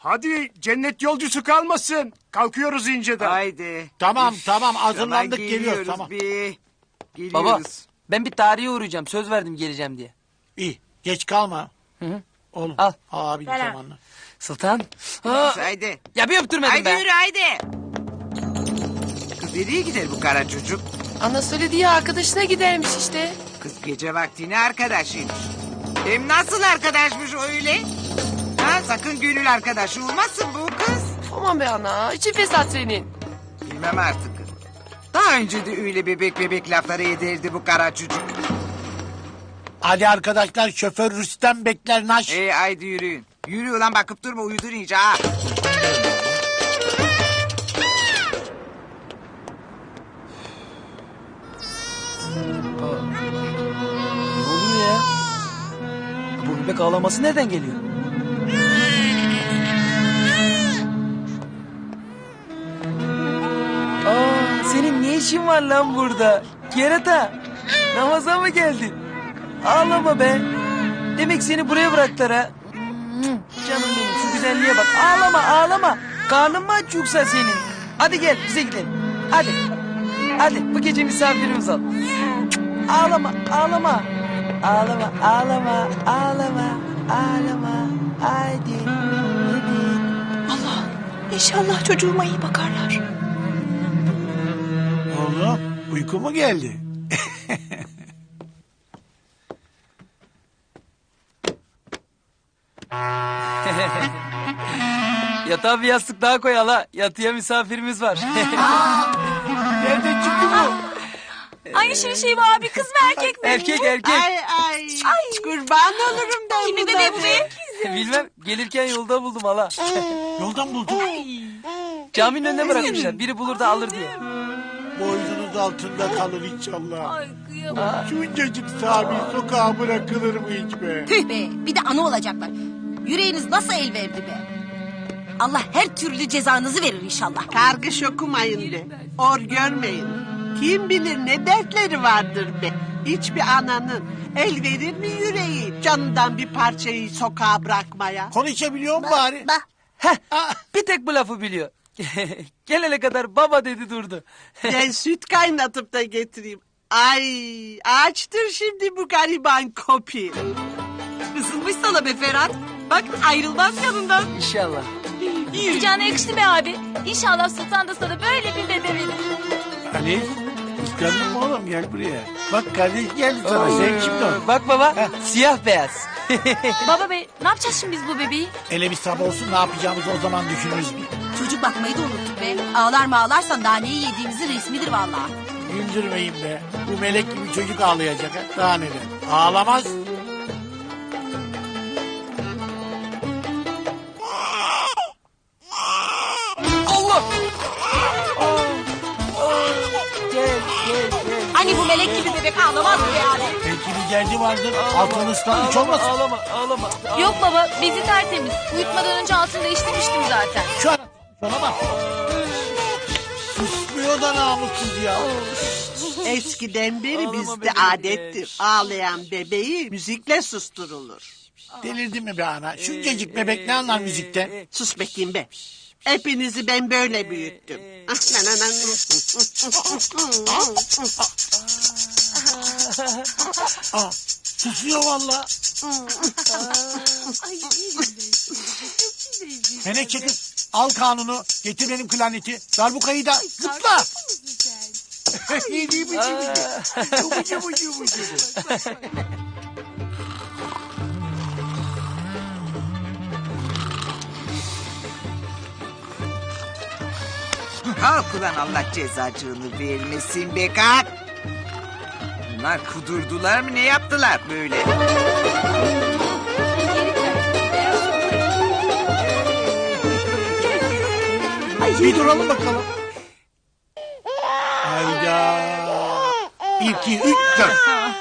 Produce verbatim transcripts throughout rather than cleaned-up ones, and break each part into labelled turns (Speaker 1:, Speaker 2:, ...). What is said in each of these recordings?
Speaker 1: Hadi cennet yolcusu kalmasın. Kalkıyoruz inceden.
Speaker 2: Haydi.
Speaker 3: Tamam
Speaker 2: Üf,
Speaker 3: tamam hazırlandık
Speaker 2: hemen
Speaker 3: geliyoruz tamam.
Speaker 2: Bir. Geliyoruz.
Speaker 4: Baba ben bir tarihe uğrayacağım. Söz verdim geleceğim diye.
Speaker 3: İyi geç kalma.
Speaker 4: Hı hı.
Speaker 3: Oğlum
Speaker 4: Al.
Speaker 3: abin zamanla.
Speaker 4: Sultan. Ha.
Speaker 2: Haydi.
Speaker 4: Ya bir öptürmedin
Speaker 2: Haydi
Speaker 4: be.
Speaker 2: yürü haydi. Kız nereye gider bu kara çocuk?
Speaker 5: Ana söyledi ya arkadaşına gidermiş işte.
Speaker 2: Kız gece vaktine arkadaşıymış. Hem nasıl arkadaşmış öyle? Ha, sakın gönül arkadaşı olmasın bu kız.
Speaker 5: Aman be ana içi fesat senin.
Speaker 2: Bilmem artık. Daha önce de öyle bebek bebek lafları ederdi bu kara çocuk.
Speaker 3: Hadi arkadaşlar şoför Rüstem bekler naş.
Speaker 2: Ee, haydi yürüyün. Yürü ulan bakıp durma uyudun iyice ha.
Speaker 4: Ne oluyor ya? Bu bebek ağlaması nereden geliyor? Aa, senin ne işin var lan burada? Kerata, namaza mı geldin? Ağlama be. Demek seni buraya bıraktılar ha. Canım benim şu güzelliğe bak. Ağlama ağlama. Karnın mı aç yoksa senin? Hadi gel bize gidelim. Hadi. Hadi bu gece misafirimiz ol. Ağlama ağlama. Ağlama ağlama ağlama ağlama. Haydi. Hadi.
Speaker 5: Allah inşallah çocuğuma iyi bakarlar.
Speaker 3: Oğlum uyku mu geldi?
Speaker 4: Yatağa bir yastık daha koy hala. Yatıya misafirimiz var.
Speaker 3: Nereden çıktı bu?
Speaker 6: Aynı şey şey var abi, kız mı erkek mi?
Speaker 4: Erkek erkek.
Speaker 2: Ay ay. Kurban olurum ben
Speaker 6: Kimin
Speaker 2: buna
Speaker 6: bebeği bu
Speaker 2: be.
Speaker 6: be?
Speaker 4: Bilmem gelirken yolda buldum hala.
Speaker 3: Yoldan buldum.
Speaker 4: Caminin önüne bırakmışlar. Biri bulur da alır diye.
Speaker 3: Boynunuz altında kalır inşallah.
Speaker 6: Ay kıyamam.
Speaker 3: Şuncacık Sami sokağa bırakılır mı hiç be?
Speaker 7: Tüh be, bir de ana olacaklar. Yüreğiniz nasıl el verdi be? Allah her türlü cezanızı verir inşallah.
Speaker 8: Kargış okumayın be. Or görmeyin. Kim bilir ne dertleri vardır be. Hiçbir ananın el verir mi yüreği canından bir parçayı sokağa bırakmaya?
Speaker 3: Konuşabiliyor mu bari?
Speaker 7: Bak,
Speaker 4: Heh, bir tek bu lafı biliyor. Gelene kadar baba dedi durdu.
Speaker 8: Ben süt kaynatıp da getireyim. Ay açtır şimdi bu gariban kopi.
Speaker 6: Isınmış sana be Ferhat. Bak ayrılmaz yanından.
Speaker 4: İnşallah.
Speaker 6: Sıcağına yakıştı be abi. İnşallah Sultan da sana böyle bir bebe verir.
Speaker 3: Ali kıskandın mı oğlum gel buraya. Bak kardeş geldi sana sen kimdin o?
Speaker 4: Bak baba siyah beyaz.
Speaker 6: Baba bey ne yapacağız şimdi biz bu bebeği?
Speaker 3: Hele bir sabah olsun ne yapacağımızı o zaman düşünürüz bir.
Speaker 7: çocuk bakmayı da unuttuk be. Ağlar mı ağlarsan daha neyi yediğimizin resmidir vallahi.
Speaker 3: Güldürmeyin be. Bu melek gibi çocuk ağlayacak ha. Daha neler. Ağlamaz.
Speaker 4: Allah! Gel gel gel.
Speaker 7: Hani bu melek gibi bebek ağlamaz mı yani?
Speaker 3: Belki bir derdi vardır. Altını ıslanmış
Speaker 4: Ağlama,
Speaker 3: olmasın.
Speaker 4: ağlama, ağlama, ağlama.
Speaker 6: Yok baba bezi tertemiz. Uyutmadan önce altını değiştirmiştim zaten.
Speaker 3: Şu an şuna bak. Susmuyor da namussuz ya.
Speaker 8: Eskiden beri
Speaker 4: Ağlama
Speaker 8: bizde
Speaker 4: bebeğim
Speaker 8: adettir.
Speaker 4: be.
Speaker 8: Ağlayan bebeği müzikle susturulur.
Speaker 3: Delirdin mi be ana? Şuncacık bebek ne anlar müzikten?
Speaker 8: Sus bakayım be. Hepinizi ben böyle büyüttüm.
Speaker 3: Aa, susuyor valla. Menekşe kız al kanunu getir benim klarneti. Darbukayı da zıpla. Yedi bıcı bıcı. Bıcı bıcı bıcı.
Speaker 2: Kalk ulan Allah cezacığını vermesin be kalk. Bunlar kudurdular mı ne yaptılar böyle?
Speaker 3: Bir duralım bakalım. Hayda. Bir, iki, üç, dört.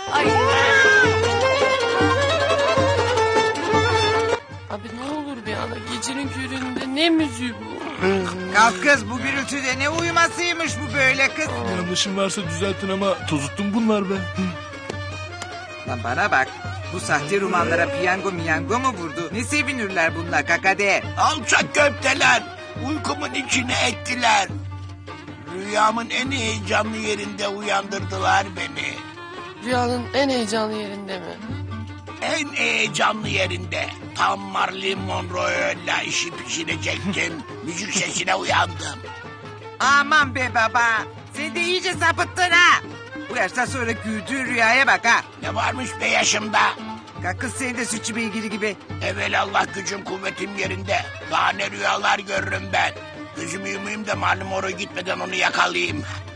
Speaker 5: Abi ne olur be ana gecenin köründe ne müziği bu?
Speaker 2: Kalk kız bu gürültüde ne uyumasıymış bu böyle kız.
Speaker 9: Yanlışım varsa düzeltin ama tozuttum bunlar be.
Speaker 2: Lan bana bak. Bu sahte romanlara piyango miyango mu vurdu? Ne sevinirler bunlar kakade?
Speaker 3: Alçak köfteler. Uykumun içine ettiler. Rüyamın en heyecanlı yerinde uyandırdılar beni.
Speaker 5: Rüyanın en heyecanlı yerinde mi?
Speaker 3: En heyecanlı yerinde. Tam Marilyn Monroe'yla işi pişirecektim. Müzik sesine uyandım.
Speaker 2: Aman be baba. Sen de iyice sapıttın ha. Bu yaştan sonra güldüğün rüyaya bak ha.
Speaker 3: Ne varmış be yaşımda?
Speaker 2: Kalk kız sen de sütçü beygiri gibi.
Speaker 3: Evelallah gücüm kuvvetim yerinde. Daha ne rüyalar görürüm ben. Gözümü yumayım da malum oraya gitmeden onu yakalayayım.